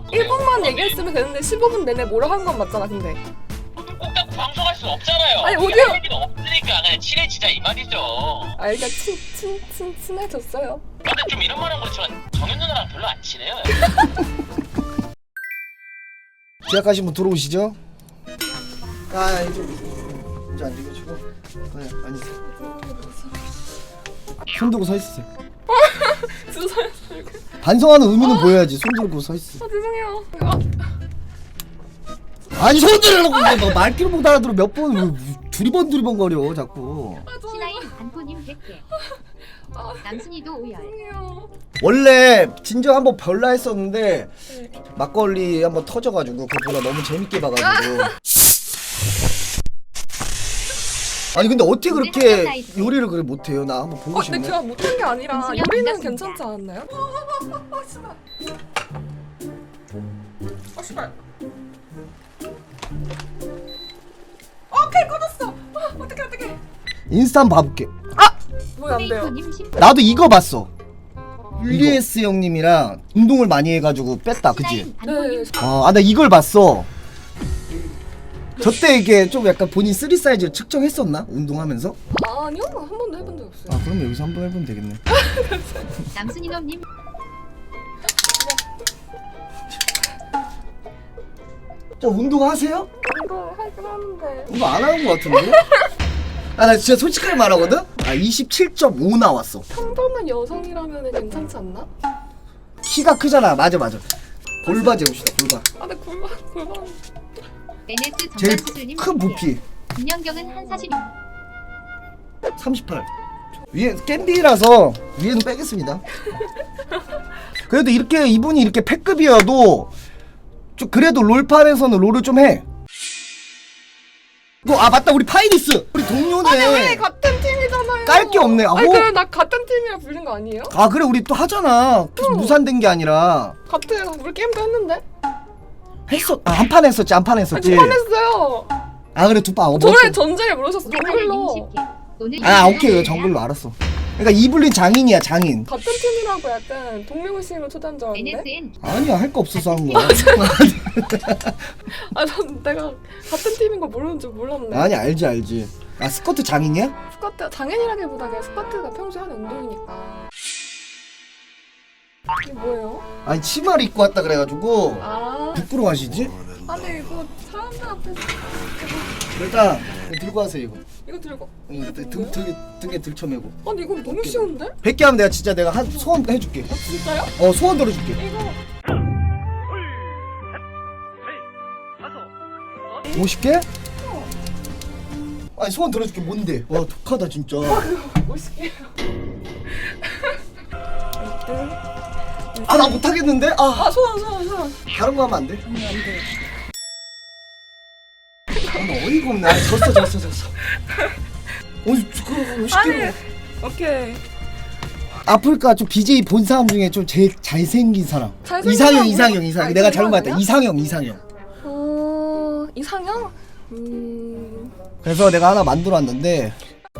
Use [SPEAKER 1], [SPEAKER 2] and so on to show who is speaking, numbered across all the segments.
[SPEAKER 1] 1분만 얘기했으면 되는데 15분 내내 뭐라 한 건 맞잖아 근데.
[SPEAKER 2] 꼭 딱 방송할 수 없잖아요.
[SPEAKER 1] 아니, 오디오-
[SPEAKER 2] 얘기는 없으니까 그냥 친해지자 이 말이죠.
[SPEAKER 1] 아 일단 친해졌어요.
[SPEAKER 2] 근데 좀 이런 말은 그렇지만 정현 누나랑 별로 안 친해요.
[SPEAKER 3] 계약하신 분 들어오시죠? 아 이제 앉으시고 치고 네 앉으세요. 손 들고 서 있으세요.
[SPEAKER 1] 주사요.
[SPEAKER 3] 반성하는 의미는 보여야지. 손 들고 서 있으세요.
[SPEAKER 1] 아 죄송해요.
[SPEAKER 3] 아니 손 들으라고 뭐 말귀를 못 알아들어 몇 번 두리번 거려 자꾸.
[SPEAKER 4] 신하인 단포님 100개. 남순이도 오열.
[SPEAKER 1] 죄송해요.
[SPEAKER 3] 원래 진정 한번 별라 했었는데
[SPEAKER 1] 네.
[SPEAKER 3] 막걸리 한번 터져가지고 그보다 너무 재밌게 봐가지고.
[SPEAKER 1] 아!
[SPEAKER 3] 아니 근데 어떻게 그렇게 요리를 그래 못해요? 나 한번 보고
[SPEAKER 1] 근데
[SPEAKER 3] 싶네.
[SPEAKER 1] 제가 못한 게 아니라
[SPEAKER 4] 은수야,
[SPEAKER 1] 요리는
[SPEAKER 4] 반갑습니다.
[SPEAKER 1] 괜찮지 않았나요? 씨발. 씨발. 오케이 꺼졌어. 어떡해.
[SPEAKER 3] 인스타 한번 봐볼게.
[SPEAKER 1] 뭐야 안 돼요.
[SPEAKER 4] 페이커님 10.
[SPEAKER 3] 나도 이거 봤어. UDS 형님이랑 운동을 많이 해가지고 뺐다, 그치?
[SPEAKER 4] 신하인 단포님
[SPEAKER 1] 네.
[SPEAKER 3] 나 이걸 봤어. 저때 이게 좀 약간 본인 3 사이즈를 측정했었나? 운동하면서?
[SPEAKER 1] 아니요 한 번도 해본 적 없어요.
[SPEAKER 3] 그럼 여기서 한번 해보면 되겠네.
[SPEAKER 4] 남순이놈님
[SPEAKER 3] 저 운동하세요?
[SPEAKER 1] 운동 하긴 하는데.
[SPEAKER 3] 운동 안 하는 것 같은데? 나 진짜 솔직하게 말하거든? 27.5 나왔어.
[SPEAKER 1] 평범한 여성이라면 괜찮지 않나?
[SPEAKER 3] 키가 크잖아. 맞아. 골바 재봅시다, 골바.
[SPEAKER 1] 아 근데 골반.
[SPEAKER 4] NS
[SPEAKER 3] 제일
[SPEAKER 4] 정관수술님
[SPEAKER 3] 큰 부피.
[SPEAKER 4] 김연경은 한 40.
[SPEAKER 3] 38. 위에 캔디라서 위에는 빼겠습니다. 그래도 이렇게 이분이 이렇게 패급이어도 좀 그래도 롤판에서는 롤을 좀 해. 맞다 우리 파이니스 우리 동료네.
[SPEAKER 1] 아니 왜 같은 팀이잖아요.
[SPEAKER 3] 깔 게 없네.
[SPEAKER 1] 아니 그래 나 같은 팀이라 불린 거 아니에요?
[SPEAKER 3] 그래 우리 또 하잖아. 무산된 게 아니라
[SPEAKER 1] 같은 우리 게임도 했는데.
[SPEAKER 3] 한 판 했었지. 한 판
[SPEAKER 1] 아니
[SPEAKER 3] 했었지.
[SPEAKER 1] 두판 했어요.
[SPEAKER 3] 그래 두 판.
[SPEAKER 1] 저의 전쟁을 모르셨어 정글로.
[SPEAKER 4] 정글로. 오늘
[SPEAKER 3] 오케이 정글로 알았어. 그러니까 이블린 장인이야 장인.
[SPEAKER 1] 같은 팀이라고 약간 동료의식으로 초대한 줄 알았는데.
[SPEAKER 4] NSN
[SPEAKER 3] 아니야 할 거 없어서 한 거야.
[SPEAKER 1] 난 내가 같은 팀인 거 모르는 줄 몰랐네.
[SPEAKER 3] 아니 알지. 스쿼트 장인이야?
[SPEAKER 1] 스쿼트 장애인이라기보다 그냥 스쿼트가 평소에 하는 운동이니까. 이게 뭐예요?
[SPEAKER 3] 아니 치마를 입고 왔다 그래가지고 부끄러워하시지?
[SPEAKER 1] 아니 이거 사람들 앞에서
[SPEAKER 3] 일단 들고 하세요 이거.
[SPEAKER 1] 이거 들고.
[SPEAKER 3] 등에 들쳐매고.
[SPEAKER 1] 아니 이거 너무 쉬운데?
[SPEAKER 3] 100개 하면 내가 진짜 내가 한 소원 해줄게.
[SPEAKER 1] 진짜요?
[SPEAKER 3] 소원 들어줄게.
[SPEAKER 1] 이거
[SPEAKER 3] 50개? 아니 소원 들어줄게. 뭔데? 와 독하다 진짜.
[SPEAKER 1] 50개.
[SPEAKER 3] 나 못하겠는데?
[SPEAKER 1] 소원.
[SPEAKER 3] 다른 거 하면 안 돼?
[SPEAKER 1] 안 돼.
[SPEAKER 3] 나 어이가 없네. 졌어. 그거 50개로.
[SPEAKER 1] 오케이.
[SPEAKER 3] 아프리카 좀 BJ 본 사람 중에 좀 제일 잘생긴 사람.
[SPEAKER 1] 잘생긴
[SPEAKER 3] 이상형.
[SPEAKER 1] 사람 뭐- 아니,
[SPEAKER 3] 내가 잘못
[SPEAKER 1] 그건
[SPEAKER 3] 말했다.
[SPEAKER 1] 아니야?
[SPEAKER 3] 이상형.
[SPEAKER 1] 이상형?
[SPEAKER 3] 그래서 내가 하나 만들어 왔는데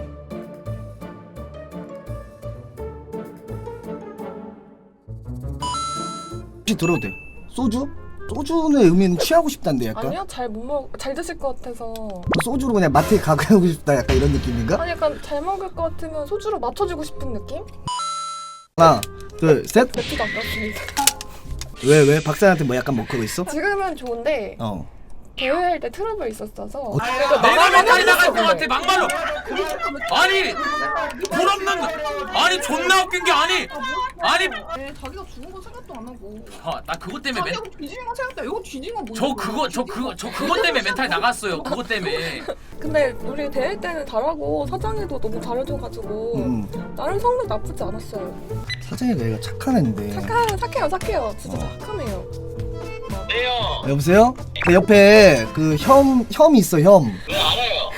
[SPEAKER 3] 혹시 들어도 돼. 소주의 의미는 취하고 싶단데 약간.
[SPEAKER 1] 아니요 잘 못 먹. 잘 드실 것 같아서.
[SPEAKER 3] 소주로 그냥 마트에 가고 싶다 약간 이런 느낌인가?
[SPEAKER 1] 아니 약간 잘 먹을 것 같으면 소주로 맞춰주고 싶은 느낌?
[SPEAKER 3] 하나 둘셋.
[SPEAKER 1] 맥주도 아깝습니다.
[SPEAKER 3] 왜 박사한테 뭐 약간 먹고 있어?
[SPEAKER 1] 지금은 좋은데 대회할 때 트러블 있었어서.
[SPEAKER 2] 내가 멘탈이 나갈 것 같아 막말로. 아니 돌없는 아니 존나 웃긴 게 아니
[SPEAKER 5] 자기가 죽은 거 생각도 안 하고
[SPEAKER 2] 나 그것 때문에
[SPEAKER 5] 자기가 뒤지는 거 생각도 이거 뒤진 건 뭐야?
[SPEAKER 2] 저 그것 때문에 멘탈 나갔어요. 그것 때문에.
[SPEAKER 1] 근데 우리 대회 때는 잘하고 사장님도 너무 잘해줘가지고 나름 성능 나쁘지 않았어요.
[SPEAKER 3] 사장이가 얘가 착한 애인데.
[SPEAKER 1] 착해요. 진짜 착하네요.
[SPEAKER 2] 네요.
[SPEAKER 3] 여보세요? 그 옆에 그 혐이 있어 혐.
[SPEAKER 2] 네 알아요.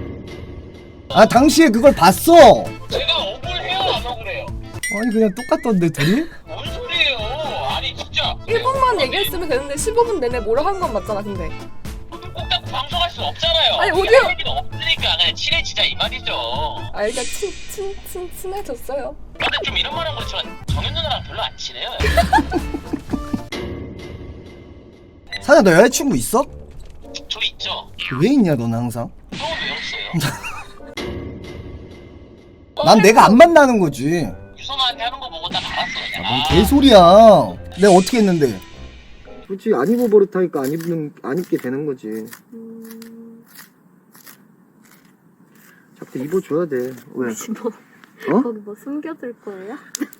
[SPEAKER 3] 당시에 그걸 봤어.
[SPEAKER 2] 제가 억울해요 안 억울해요?
[SPEAKER 3] 아니 그냥 똑같던데 둘이?
[SPEAKER 2] 뭔 소리예요? 아니 진짜
[SPEAKER 1] 1분만 얘기했으면 되는데 15분 내내 뭐라 한 건 맞잖아 근데.
[SPEAKER 2] 꼭 딱 방송할 수 없잖아요.
[SPEAKER 1] 아니, 오디오-
[SPEAKER 2] 얘기는 없으니까 그냥 친해지자 이 말이죠.
[SPEAKER 1] 일단 친해졌어요.
[SPEAKER 2] 근데 좀 이런 말은 그렇지만 정현 누나랑 별로 안 친해요.
[SPEAKER 3] 사장 너 여자친구 있어?
[SPEAKER 6] 저 있죠.
[SPEAKER 3] 왜 있냐 너는 항상?
[SPEAKER 6] 처음 외웠어요.
[SPEAKER 3] 난 내가 안 만나는 거지.
[SPEAKER 6] 유선아한테 하는 거 보고 딱 알았어요.
[SPEAKER 3] 뭔 개소리야. 내가 어떻게 했는데? 굳이 안 입어 버릇하니까 안 입게 되는 거지. 자꾸 입어줘야 돼. 왜? 어?
[SPEAKER 7] 거기 뭐 숨겨둘 거예요?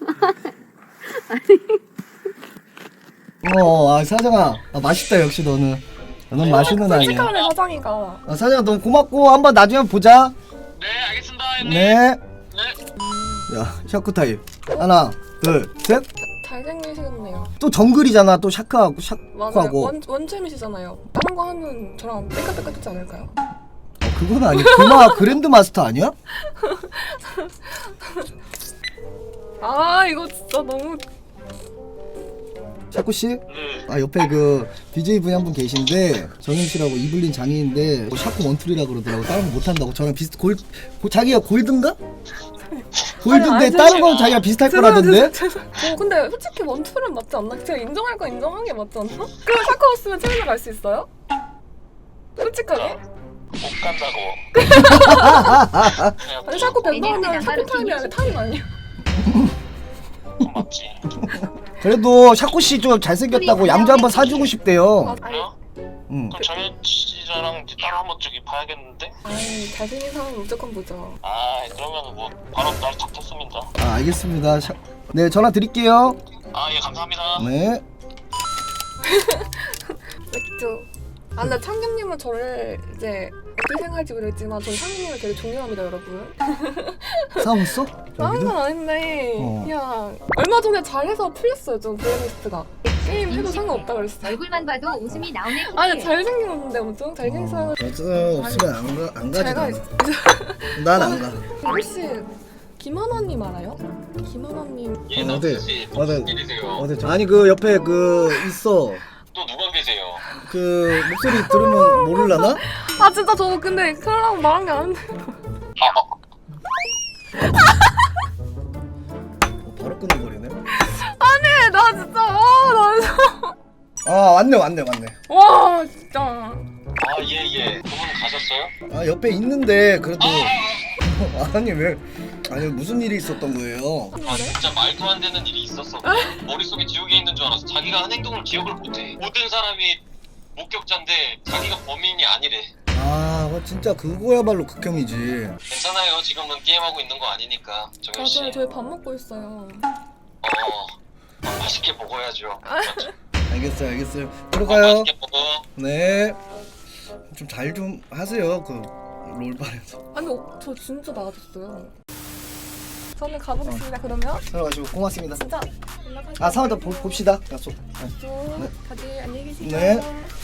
[SPEAKER 3] 사장아, 맛있다 역시 너는. 너는 맛있는 아이야.
[SPEAKER 1] 솔직하네 사장이가.
[SPEAKER 3] 사장아 너무 고맙고 한번 나중에 보자.
[SPEAKER 6] 네, 알겠습니다, 형님.
[SPEAKER 3] 네.
[SPEAKER 6] 네.
[SPEAKER 3] 야, 샤크 타임. 하나, 둘, 셋.
[SPEAKER 1] 잘생기시겠네요.
[SPEAKER 3] 또 정글이잖아. 또 샤크하고
[SPEAKER 1] 맞아요.
[SPEAKER 3] 샤크하고.
[SPEAKER 1] 원챔이시잖아요. 다른 거 하면 저랑 삐까삐까하지 않을까요?
[SPEAKER 3] 그건 아니. 그랜드 마스터 아니야?
[SPEAKER 1] 아 이거 진짜 너무.
[SPEAKER 3] 샤쿠 씨?
[SPEAKER 6] 네.
[SPEAKER 3] 옆에 그 BJ 분이 한 분 계신데 정임 씨라고 이블린 장인인데 샤쿠 원툴이라 그러더라고. 다른 거 못 한다고. 저랑 비슷 자기가 골든가? 골든데
[SPEAKER 1] 아니,
[SPEAKER 3] 다른 건 자기가 비슷할 거라던데?
[SPEAKER 1] 근데 솔직히 원툴은 맞지 않나? 제가 인정할 건 인정한 게 맞지 않나? 그럼 샤크 없으면 채널 갈 수 있어요? 솔직하게?
[SPEAKER 6] 못 간다고.
[SPEAKER 1] 아니 샤크 뱀방하면 샤크 타임이 아니라 타임 아니야?
[SPEAKER 6] 맞지.
[SPEAKER 3] 그래도 샤쿠 씨 좀 잘생겼다고 양주 한번 사주고 싶대요.
[SPEAKER 6] 그래요?
[SPEAKER 3] 응.
[SPEAKER 6] 그럼 정현 씨랑 따로 한번 저기 봐야겠는데?
[SPEAKER 1] 아이 잘생긴 사람 무조건 보죠.
[SPEAKER 6] 아, 그러면 뭐 바로 날 잡겠습니다.
[SPEAKER 3] 알겠습니다. 네, 전화 드릴게요.
[SPEAKER 6] 아, 예, 감사합니다.
[SPEAKER 3] 네.
[SPEAKER 1] 맥주. 아 근데 창균님은 저를 이제 어떻게 생각할지 모르겠지만 저는 창균님을 되게 존경합니다 여러분.
[SPEAKER 3] 싸웠어?
[SPEAKER 1] 싸운
[SPEAKER 3] 여기도?
[SPEAKER 1] 건 아닌데
[SPEAKER 3] 어.
[SPEAKER 1] 그냥 얼마 전에 잘해서 풀렸어요 좀 블랙리스트가. 게임 해도 상관없다 그랬어.
[SPEAKER 4] 얼굴만 봐도 웃음이 나오네.
[SPEAKER 1] 아니 잘생겼는데 엄청 잘생겼어요.
[SPEAKER 3] 없으면 안 가지.
[SPEAKER 1] 제가
[SPEAKER 3] 난안 가.
[SPEAKER 1] 혹시 김하나님 알아요? 김하나님.
[SPEAKER 6] 예,
[SPEAKER 3] 어디?
[SPEAKER 6] 남준 씨,
[SPEAKER 3] 어디?
[SPEAKER 6] 무슨 일이세요?
[SPEAKER 3] 아니 그 옆에 그 있어.
[SPEAKER 6] 또 누가 계세요?
[SPEAKER 3] 그 목소리 들으면 모를라나?
[SPEAKER 1] 아 진짜 저 근데 그러라고 말한 게 아닌데.
[SPEAKER 3] 바로 끊어버리네.
[SPEAKER 1] 아니 나 진짜 나 진짜
[SPEAKER 3] 왔네.
[SPEAKER 1] 와 진짜.
[SPEAKER 6] 아, 예. 그분 가셨어요?
[SPEAKER 3] 옆에 있는데 그래도 아니 왜? 아니 무슨 일이 있었던 거예요?
[SPEAKER 6] 아, 진짜 말도 안 되는 일이 있었어. 머릿속에 지우개 있는 줄 알았어. 자기가 한 행동을 기억을 못해. 모든 사람이 목격자인데 자기가 범인이 아니래.
[SPEAKER 3] 진짜 그거야말로 극혐이지.
[SPEAKER 6] 괜찮아요. 지금은 게임하고 있는 거 아니니까. 정현 씨.
[SPEAKER 1] 맞아요 저희 밥 먹고 있어요.
[SPEAKER 6] 맛있게 먹어야죠.
[SPEAKER 3] 알겠어요. 들어가요.
[SPEAKER 6] 맛있게 먹어.
[SPEAKER 3] 네. 좀 잘 좀 하세요. 그 롤바에서.
[SPEAKER 1] 아니 저 진짜 나아졌어요. 저는 가보겠습니다 그러면.
[SPEAKER 3] 들어가시고 고맙습니다.
[SPEAKER 1] 진짜 연락할게요.
[SPEAKER 3] 상황 더 봅시다. 약속. 네.
[SPEAKER 1] 다들 안녕히 계세요.
[SPEAKER 3] 네.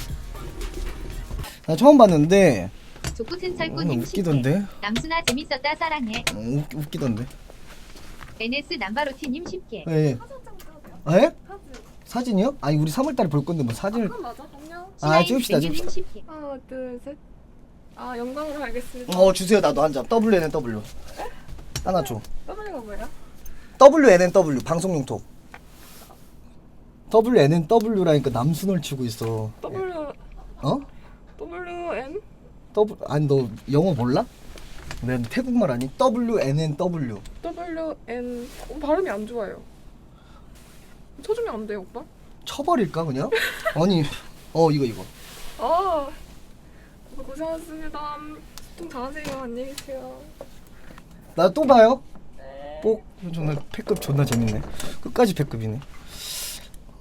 [SPEAKER 3] 나 처음 봤는데
[SPEAKER 4] 조쿠튼 철구님
[SPEAKER 3] 웃기던데.
[SPEAKER 4] 남순아 재밌었다 사랑해.
[SPEAKER 3] 웃기던데.
[SPEAKER 4] NS 남바로티님 쉽게.
[SPEAKER 3] 예. 예? 사진이요? 아니 우리 3월달에 볼 건데 뭐 사진을.
[SPEAKER 1] 그럼 맞아 안녕.
[SPEAKER 3] 찍읍시다.
[SPEAKER 4] 님 쉽게.
[SPEAKER 1] 하나 둘 셋. 아 영광으로 알겠습니다.
[SPEAKER 3] 주세요. 나도 한 장. WNNW. 하나 줘.
[SPEAKER 1] W가 뭐야?
[SPEAKER 3] WNNW 방송용 톡. WNNW라니까 남순을 치고 있어.
[SPEAKER 1] W
[SPEAKER 3] 어?
[SPEAKER 1] WN
[SPEAKER 3] 아니 너 영어 몰라? 난 태국말 아니? WNNW.
[SPEAKER 1] WN 발음이 안 좋아요. 쳐주면 안 돼요 오빠?
[SPEAKER 3] 쳐버릴까 그냥? 아니 이거.
[SPEAKER 1] 아 고생하셨습니다. 좀 잘하세요. 안녕히 계세요.
[SPEAKER 3] 나 또 봐요. 꼭 존나 패급 존나 재밌네. 끝까지 패급이네.